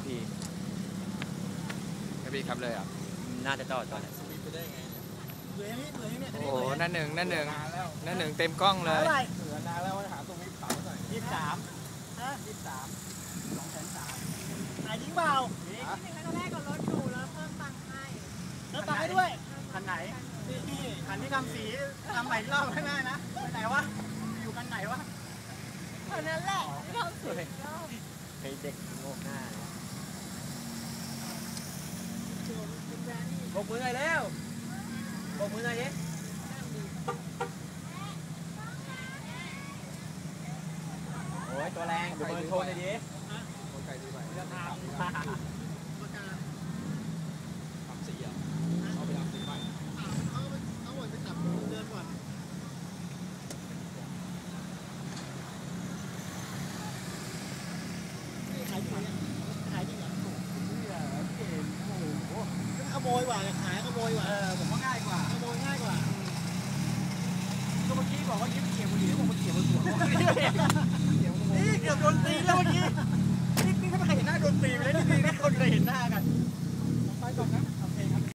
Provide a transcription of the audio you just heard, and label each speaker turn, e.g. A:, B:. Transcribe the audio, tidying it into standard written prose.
A: ทีกระบี่ขับเลยอ่ะน่าจะจอดไหน
B: ไปได้ไงเบื่อยังนี่เบื่อยังเนี่ย
A: โอ้โหนั่นหนึ่งเต็มกล้องเลย
B: เบื่อนานแล้วว่าหาตรงนี้เผาหน่อย23ฮะ23 230,000ไหนยิงเปล่า
C: นี่ครั้งแรกก็รถอยู่แล้วเพิ่มตังค์ให้
B: เพิ่มตังค์ให้ด้วยคันไหนนี่คันที่ทำสีทำใหม่รอบไม่ได้นะไปไหนวะอยู่กันไหนวะ
C: คันนั้นแหละที่ทำสีรอบ
A: ไอเด็กโง่หน้าบกมือหน่อยเร็วบกมือหน่อยดิโอ้ยตัวแรงดูเบอร์โทรเลยดิ
B: ไก่ดีไป
A: จะทำ
B: สีอ่ะเอาไปทำสีใหม่เอาหมดไปขับเดินก่อนขายดีขายดีเหรอขโมยกว่าขายขโมยกว่าผมว่าง่ายกว่าขโมยง่ายกว่าก็เมื่อกี้บอกว่ายิ้มเขียวบุหรี่ผมมาเขียวบนหัวนี่เกือบโดนตีแล้วเมื่อกี้